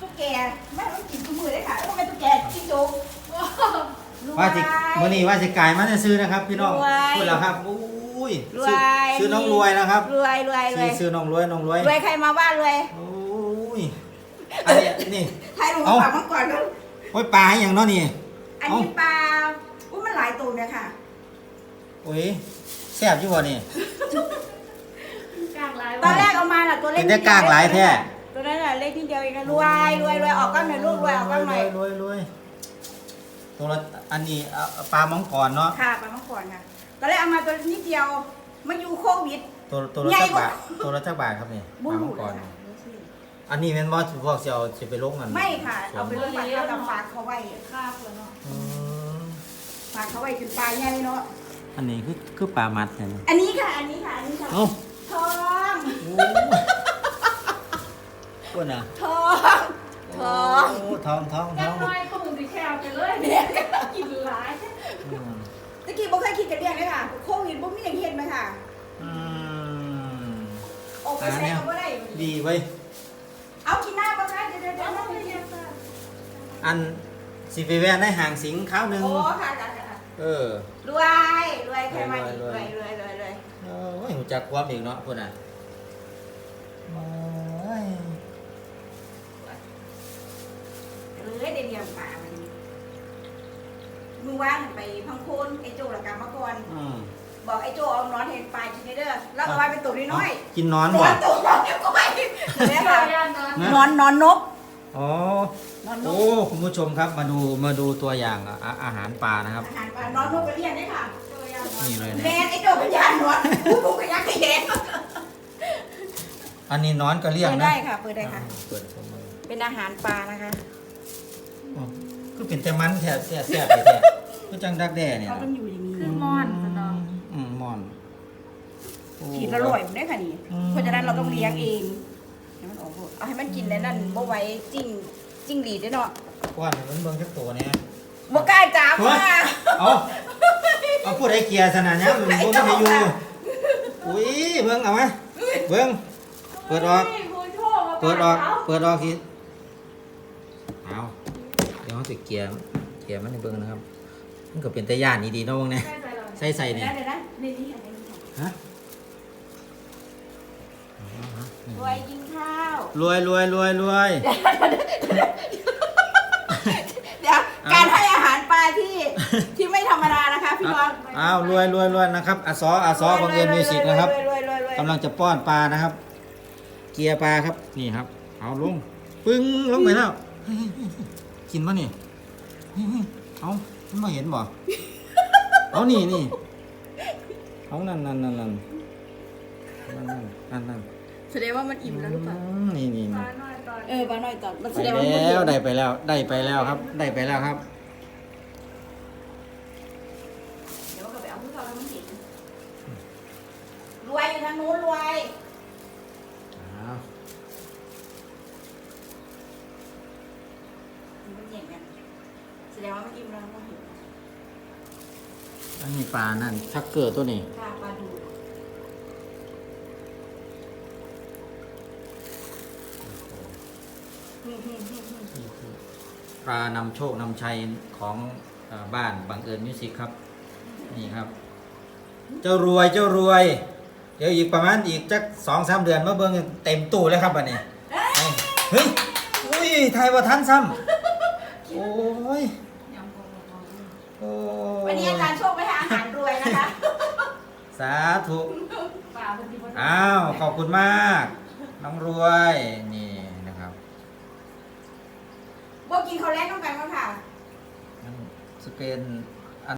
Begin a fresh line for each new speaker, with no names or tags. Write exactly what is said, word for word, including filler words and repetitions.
ตุ๊กแกไม่ต้องกินทุกมือเลยค่ะต้องเป็นตุ๊กแกจิ้งจก
ว่าสิมื้อนี้ว่าสิกายมาซื้อนะครับพี่น้องพูดแล้วครับอุ้ยซื้อน้องรวยนะครับ
รวยรวยรวย
ซื้อน้องรวยน้องรวย
รวยใครมาบ้านรวย
โอ้ยอันนี้นี่
ใครลงปากมาก่อนก็
โอ้ยปลาอย่างเนาะนี่
อันนี้ปลาอุ้ยมันหลายตัวเลยค่ะ
โอ้ยแซ่บอยู่บ่นี่
ตอนแรกเอามาล่ะตัวเล็ก
ได้กากหลายแท้
ตัวนั้นแหละเล็กนิดเดียวเองรวยรวยรวยออกก้อนหน่อยลูกรวยออกก้อนหน่อย
รวยรวยตัวละอันนี้ปลามังกรเนาะ
ค่ะปลามังกรค่ะตอนแรกเอามาตัวนิดเดียวมาอยู่โควิด
ตัวตัวละจักบาทตัวละจักบาทครับนี่ปลามังกรอันนี้เป็นว่าพวกเสี่ยวจะไปลงกัน
ไม่ค่ะเอาไปลงฝากเขากับฝากเขาไว้ค่าเลยเนาะฝากเขาไว้เป็นปลาใหญ่เนาะ
อันนี้คือคือปลามัดเนี่ย
อันนี้ค่ะอันนี้ค่ะอันนี้ค่ะทอง
ก้นอ่ะ
ทองทอง
ทองทองทอง
น้อยก็มึงสิแค่เอาไปเลยเนี่ยกินหลาย
ตะกี้บ่เคยคิดกันเรื่องเลยค่ะโควิดบ่มีอย่างเห็นไหมค่ะ
อืม
ออกไปใช้เขาบ่ได้
ดีเว้ย
เอากินหน้าบ่คะเดี๋ยวเดี๋ยวเดี๋ยว
อันสิไปแวนได้ห่างสิงข้าวหนึ่ง
โอ้ค่ะค่ะ
เออ
รวยรวยใครมาอีกรวยรวยรวยรวย
โอ้ยหูจักความอีกเนาะพุ่นน่ะโอ้ย
เลยเดี๋ยวเดี๋ยวป่ามันมือว่างไปพังโคนไอ้โจละกรรมมาก่อนบอกไอ้โจเอานอนเห็นปลากินเด้อแล้วเอาไว้เป็นตัวน้อย
กินนอนบ่
ตัวนอนก็ไปเนี่ยค่ะนอนนอนนก
อ๋อโอ้คุณผู้ชมครับมาดูมาดูตัวอย่างอาหารปลานะครับ
อาหารปลานอนนกไปเรียนได้ค่ะ
นี่เลย
แมนไอ้โจพยานนอนผู้ผู้พยานขยัน
อันนี้นอนก็เรียกนะ
เปิดได้ค่ะเปิดได้ค่ะ
เปิด
เป็นอาหารปลานะคะ
คือเป็นแต่มันแท้แท้แท้ไปแท้ก็จังดักแด่เนี่ย
เขาต้องอยู่อย่างนี้
คือมอนสนอง
อืมมอน
ขีดละร่อยมันได้ค่ะนี่เพราะฉะนั้นเราต้องเลี้ยงเองให้มันออกเอาให้มันกินในนั่นบ่ไว้จิ้งจิ้งหรีดได้เนาะ
ก้อนมันเบิ่งจักตัวเนี่ย
บ่กล้าจับว่า
เอาเอาพูดให้เกียร์ขนาดนี้มันบ่ได้อยู่อุ้ยเบิ่งเอาไหมเบิ่งเปิดออกเปิดออกเปิดออกทีเอาเดี๋ยวเขาจะเกียร์เกียร์มันให้เบิ่งนะครับมันก็เป็นตะย่านนี่ดีเนาะวงเนี่ยใส่ใส่เนี่ยฮะ
รวยกินข้าว
รวยรวยรวยรวย
เดี๋ยวการให้อาหารปลาที่ที่ไม่ธรรมดานะคะพี่น้อง
อ้าวรวยรวยรวยนะครับอาซออาซอบังเอิญมิวสิกนะครับกำลังจะป้อนปลานะครับ เกียร์ปลาครับนี่ครับเอาลงปึ้งลงไปแล้วกินป่ะนี่เอามันมาเห็นบ่เอานี่นี่เอานั่นนั่นนั่นนั่นนั่นนั่นนั่น
แสดงว่ามันอิ่มแล้วหรือเปล่า
นี่นี่
เออปลาหน่อยต่อมันแสดง
ว่าแล้วได้ไปแล้วได้ไปแล้วครับได้ไปแล้วครับ
เดี๋ยวก็ไปเอาพวกเราแล้วมันเห็นรวยอยู่ทางนู้นรวยแสดงว่ามันอิ่มแล้วมันเห็น
อันนี้ปลานั่นชักเกอร์ตัวนี้
ปลาดู
ปลานำโชคนำชัยของบ้านบังเอิญมิวสิกครับนี่ครับเจ้ารวยเจ้ารวยเดี๋ยวอีกประมาณอีกจักสองสามเดือนมาเบิ่งเต็มตู้เลยครับวันนี้เฮ้ยอุ้ยไทยว่าทันซ้ำโอ้ย
วันนี้อาจารย์โชคไปหาอาหารรวยนะคะ
สาธุอ้าวขอบคุณมากน้องรวยนี่นะครับ
พวกกินเขาแรกต้องกันก็ค่ะ
สเปน